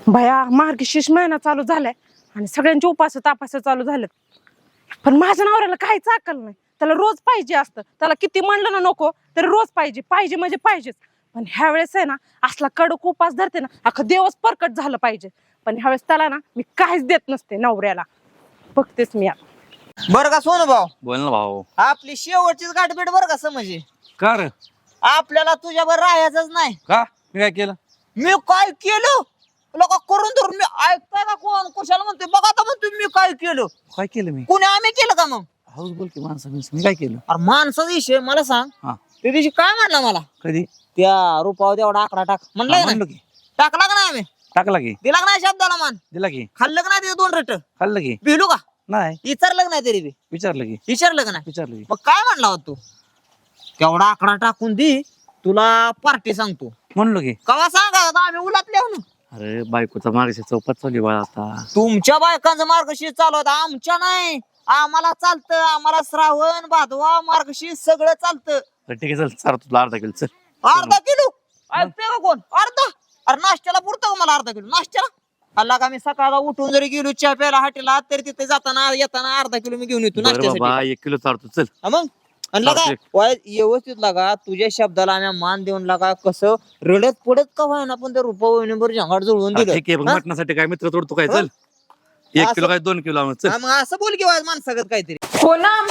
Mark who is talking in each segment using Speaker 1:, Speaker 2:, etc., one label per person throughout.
Speaker 1: भया मार्गशीर्ष महिना चालू झालाय आणि सगळ्यांचे उपास तापास चालू झालेत. पण माझ्या नवऱ्याला काहीच अक्कल नाही. त्याला रोज पाहिजे असतं. त्याला किती म्हणलं ना नको तरी रोज पाहिजे पाहिजे म्हणजे पाहिजेच. पण ह्या वेळेस आहे ना असला कडक उपास धरते ना अख्खं दिवस परकट झालं पाहिजे. पण ह्यावेळेस त्याला ना मी काहीच देत नसते नवऱ्याला. बघतेच मी आता.
Speaker 2: बरं का सोनू भाऊ,
Speaker 3: बोल ना भाऊ.
Speaker 2: आपली शेवटचीच गाठभेट बरं का समजे.
Speaker 3: का रे?
Speaker 2: आपल्याला तुझ्यावर राहायचंच नाही.
Speaker 3: का मी काय केलं?
Speaker 2: मी काय केलं लोक करून धरून मी ऐकताय का कोण कुशाला म्हणतोय बघा आता म्हणतोय मी काय केलं.
Speaker 3: काय केलं मी?
Speaker 2: कुणी आम्ही केलं का मग?
Speaker 3: हाऊस बोल की माणसं मी काय केलं?
Speaker 2: अरे माणसाचा विषय मला सांग.
Speaker 3: हा.
Speaker 2: त्या दिवशी काय म्हणला मला
Speaker 3: कधी?
Speaker 2: त्या रूपावर तेवढा आकडा टाक म्हणलाय ना.
Speaker 3: म्हणलो की.
Speaker 2: टाकला का नाही आम्ही?
Speaker 3: टाकला की.
Speaker 2: दिला का नाही शब्दाला मान?
Speaker 3: दिला की.
Speaker 2: खाल्लं का नाही तिथे 2 रट?
Speaker 3: खाल्लं की.
Speaker 2: भिलू का?
Speaker 3: नाही
Speaker 2: विचारलं का नाही तरी बी?
Speaker 3: विचारलं की.
Speaker 2: विचारलं का नाही?
Speaker 3: विचारलं की.
Speaker 2: मग काय म्हणला होता तू? तेवढा आकडा टाकून दे तुला पार्टी सांगतो.
Speaker 3: म्हणलो की.
Speaker 2: कवा सांगा आता आम्ही उलातले हो ना.
Speaker 3: अरे बायकोचा मार्गशी चौपात चालू बाळा आता.
Speaker 2: तुमच्या बायकांचा मार्गशीर्ष चालू होता आमच्या नाही. आम्हाला चालतं. आम्हाला श्रावण भादवा मार्गशीर्ष सगळं चालतं.
Speaker 3: ठीक आहे चल चार तुला अर्धा किलो चल.
Speaker 2: अर्धा किलो ऐकते का कोण? अर्धा? अरे नाश्त्याला पुरतं का मला अर्धा किलो? नाश्त्याला अल्ला का मी सकाळला उठून जरी गेलो चहा प्यायला हाटेला तरी तिथे जाताना येताना अर्धा किलो मी घेऊन येतो
Speaker 3: बरं
Speaker 2: नाश्त्यासाठी.
Speaker 3: बाबा 1 किलो चारतो चल.
Speaker 2: हा मग आणि लगा व्यवस्थित लागा तुझ्या शब्दाला आम्ही मान देऊन लागा. कसं रडत पडत का व्हायना पण त्या रुपा वहिनीवर झंगाट जुळवून दिलं.
Speaker 3: ठीक आहे बघ
Speaker 2: हा?
Speaker 3: मटणासाठी काय मित्र तोडतो काय चल. 1 किलो काय 2 किलो चल.
Speaker 2: हा, मग असं बोल की माणसागत काहीतरी.
Speaker 1: पूनम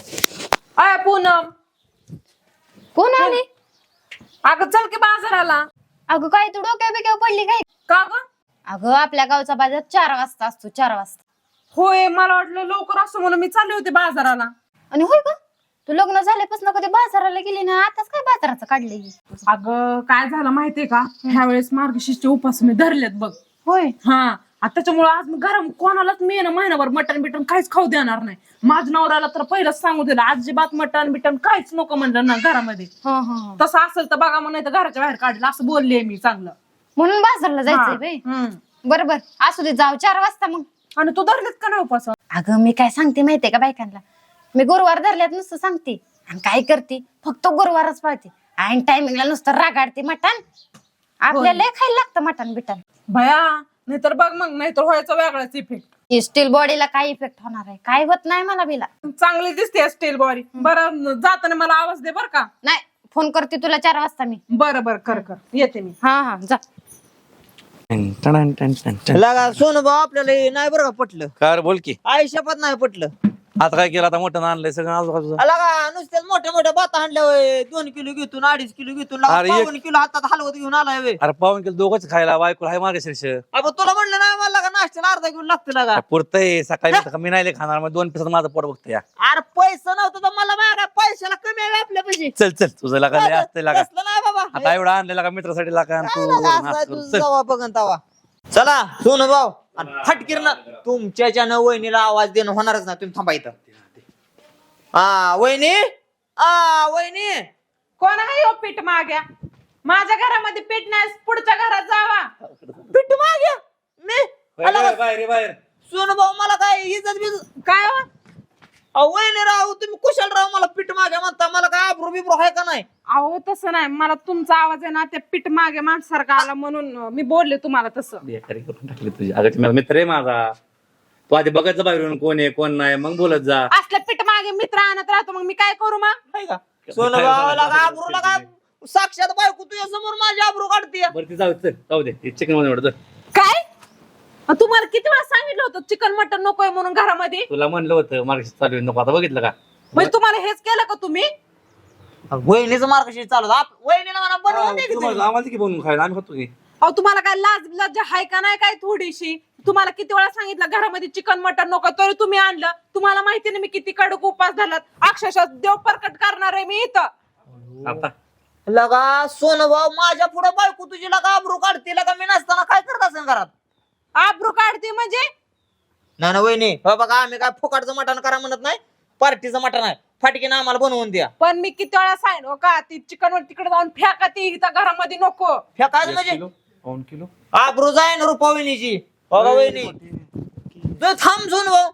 Speaker 1: अय पूनम
Speaker 4: कोण आली?
Speaker 1: अगं चल की बाजाराला.
Speaker 4: अगं काय तू डोक्या बिक्या पडली काय?
Speaker 1: का ग?
Speaker 4: अगं आपल्या गावचा बाजार 4 वाजता असतो. 4 वाजता.
Speaker 1: होय मला वाटलं लवकर असं म्हणून मी चालले होते बाजाराला.
Speaker 4: आणि होय का तू लग्न झाल्यापासून कधी बाजाराला गेली ना? आताच काय बाजाराचं काढले?
Speaker 1: अगं काय झालं माहितीये का ह्या वेळेस मार्गशीर्षचे उपास मी धरलेत बघ.
Speaker 4: होय.
Speaker 1: हा त्याच्यामुळे आज मी गरम कोणालाच मी ना महिनाभर मटण बिटन काहीच खाऊ देणार नाही. माझ्या नवऱ्याला तर पहिलंच सांगू दिलं अजिबात मटण बिटन काहीच नको म्हणलं ना घरामध्ये. तसं असेल तर बघा मग नाही तर घराच्या बाहेर काढलं असं बोलले मी चांगलं.
Speaker 4: म्हणून बाजारला जायचंय बाई. बरोबर असू दे जाऊ 4 वाजता मग.
Speaker 1: आणि तू धरलेत का नाही उपास?
Speaker 4: अगं मी काय सांगते माहितीये का बायकांना? मी गुरुवार धरल्यात नुसतं सांगते आणि काय करते फक्त गुरुवारच पाळते. आणि टायमिंगला नुसतं रागाडते मटण. आपल्याला लय खायला लागतं मटण बिटन.
Speaker 1: भया नाहीतर बघ मग नाहीतर व्हायचा वेगळाच इफेक्ट.
Speaker 4: स्टील बॉडीला काय इफेक्ट होणार आहे? काय होत नाही मला बिला.
Speaker 1: चांगली दिसते स्टील बॉडी. बरं जाताना मला आवाज दे बर का.
Speaker 4: नाही फोन करते तुला 4 वाजता मी.
Speaker 1: बरं बरं कर कर येते मी.
Speaker 4: हा जा.
Speaker 2: लागा सोनू भाऊ आपल्याला हे नाही बरं का पटलं.
Speaker 3: का रे बोल की.
Speaker 2: आयुष्यात नाही पटलं.
Speaker 3: आता काय केलं आता मोठं आणलंय सगळं आजूबाजूचं.
Speaker 2: लागा नुसत्याच मोठ्या मोठ्या बाता आणल्या 2 किलो घेतून 2.5 किलो घेतून
Speaker 3: अरे एक-
Speaker 2: 2 किलो हातात हलवत घेऊन आलाय वे.
Speaker 3: अरे पाऊन किलो दोघंच खायला बायको हाय मार्गशीर्ष.
Speaker 2: अबे तुला म्हणलं ना मला लागा नाश्त्याला अर्धा किलो लागतं लागा.
Speaker 3: पुरतंय सकाळी मी नाही खाणार मग 2 पिसात माझं पोट बघतोय या.
Speaker 2: अरे पैसा नव्हतं तर मला मागा पैशाला कमी आहे आपल्या पैसे.
Speaker 3: चल चल तुझं लागा लय असतंय लागा.
Speaker 2: तसलं नाही बाबा.
Speaker 3: आता एवढा आणलेला का मित्रासाठी लागा आणि
Speaker 2: काय
Speaker 3: तू
Speaker 2: लागा
Speaker 3: वरून
Speaker 2: असं
Speaker 3: हात
Speaker 2: तू
Speaker 3: करून. चल.
Speaker 2: जावा बघन तवा. चला सोनू भाऊ फटकीर ना तुमच्या न वहिनीला आवाज देणं होणारच नाही. तुम्ही थांबा इथं. हा वहिनी वहिनी
Speaker 1: कोण आहे हो पीठ माग्या? माझ्या घरामध्ये पीठ नाही पुढच्या घरात जावा.
Speaker 2: पिठ मागे मी
Speaker 3: बाहेर बाहेर.
Speaker 2: सोनू भाऊ मला काय इज्जत बिजत
Speaker 1: काय हो?
Speaker 2: वहिनी राहू तुम्ही कुशल राहू मला पीठ मागे म्हणता. मला काय आब्रू बिब्रू आहे का नाही?
Speaker 1: अहो तसं नाही मला तुमचा आवाज आहे ना त्या पीठ मागे माणसारखा आला म्हणून मी बोलले तुम्हाला तसं.
Speaker 3: बेकारी करून टाकली तुझी. अगं माझा मित्र आहे माझा. तू आधी बघायचं बाहेरून कोण आहे कोण नाही मग बोलत जा.
Speaker 1: असल्या पीठ मागे मित्र आणत राहतो मग मी काय करू मग?
Speaker 2: नाही का सोनू भाऊ लागा आब्रू लागा साक्षात बायको तुझ्या समोर माझी आब्रू काढते.
Speaker 3: बरं ती जाऊ दे ते चिकन मध्ये वाटत.
Speaker 1: काय तुम्हाला किती वेळा सांगितलं होतं चिकन मटन नकोय म्हणून घरामध्ये?
Speaker 3: तुला म्हणलं होतं मार्गशीर्ष चालू आहे, नको आता बघितलं का?
Speaker 1: म्हणजे तुम्हाला हेच केलं का तुम्ही?
Speaker 2: वहिनीचं मार्गशीर्ष चालू वहिनीला म्हणा बनवून दे की तुम्ही.
Speaker 3: आम्हाला की बनवून खायला आम्ही खातो की.
Speaker 1: अहो तुम्हाला काय लाज लज्जा हाय का नाही काय थोडीशी? तुम्हाला किती वेळा सांगितलं घरामध्ये चिकन मटन नको तरी तुम्ही आणलं. तुम्हाला माहिती नाही मी किती कडक उपास झालात. अक्षरशः देव प्रकट करणार आहे मी इथं.
Speaker 3: आता
Speaker 2: लगा सोनू भाऊ माझ्या पुढे बायको तुझी लगा आब्रू काढते. लगा मी नसताना काय करत असेल घरात?
Speaker 1: आब्रू काढते म्हणजे?
Speaker 2: नाही ना वहिनी हो बघा आम्ही काय फुकाटचं मटण करा म्हणत नाही. पार्टीचं मटण आहे फाटकीनं आम्हाला बनवून द्या.
Speaker 1: पण मी किती वेळा सांगितलं का ती चिकन वर तिकडे जाऊन फेका ती इथं घरामध्ये नको.
Speaker 2: फेकायचं म्हणजे
Speaker 3: पाऊण किलो
Speaker 2: आब्रू जाय ना रुपा वहिनीची. बघा वहिनी तू थांब सोनू भाऊ.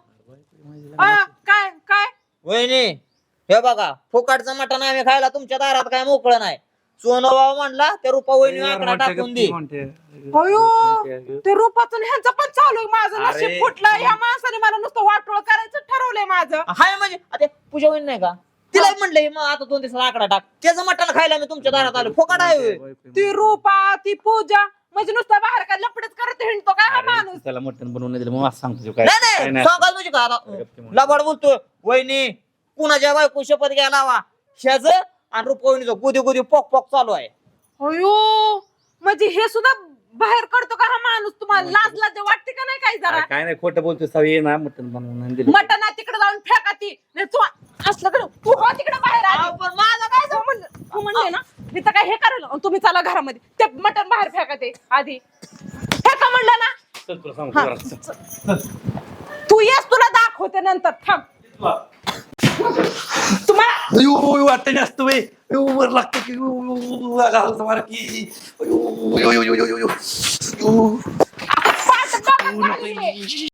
Speaker 1: काय काय
Speaker 2: वहिनी हे बघा फुकाटचं मटण आम्ही खायला तुमच्या दारात काय मोकळं नाही. सोनूभाऊ म्हणला त्या रुपा वहिनी आकडा टाकून दे.
Speaker 1: अयो ते रूपातून ह्यांचं पण चालू आहे. माझं
Speaker 3: अरे.
Speaker 1: नशीब फुटलं. या माणसाने मला नुसतं वाटोळ करायचं ठरवलंय माझं.
Speaker 2: हाय म्हणजे आता पूजा वहिनी नाही का तिला म्हणलंय मग आता 2 दिवसाला आकडा टाक. त्याचं मटण खायला मी तुमच्या दारात आलो. फोकाट आहे होय.
Speaker 1: ती रूपा ती पूजा म्हणजे नुसतं बाहेर काय लपडच करत हिंडतो काय हा माणूस.
Speaker 3: त्याला मटण बनवून नाही दिलं मग असं सांगतो काय
Speaker 2: नाही
Speaker 3: काय
Speaker 2: नाही
Speaker 3: नाही.
Speaker 2: सांगाल म्हणजे का आता लबाड बोलतोय. वहिनी कुणाच्या बायको शपथ घ्यायला हवा ह्याच आणि रुपा वहिनीचं गुदी गुदी पोक पोक चालू आहे.
Speaker 1: अयो म्हणजे हे सुद्धा बाहेर करतो का हा माणूस. तुम्हाला लाज लाज वाटते का नाही काही जरा.
Speaker 3: काय नाही खोटं बोलतोय सवय ना मटण बनवून नाही दिलं.
Speaker 1: मटण तिकडे जाऊन फेका ती नाही तू असलं कडे तू हो तिकडे बाहेर आली.
Speaker 2: अहो, पण माझं काय
Speaker 1: तू म्हणले ना मी तर काय हे करेल आणि तुम्ही चला घरामध्ये ते मटण बाहेर फेका ते आधी फेका म्हणलं ना.
Speaker 3: चल तुला सांगतो
Speaker 1: हा.
Speaker 3: जरा.
Speaker 1: तू येस तुला दाखवते नंतर थांब. तुम्हाला
Speaker 3: वाटत असत वर लागतं की मारा की
Speaker 1: पाठ बघा.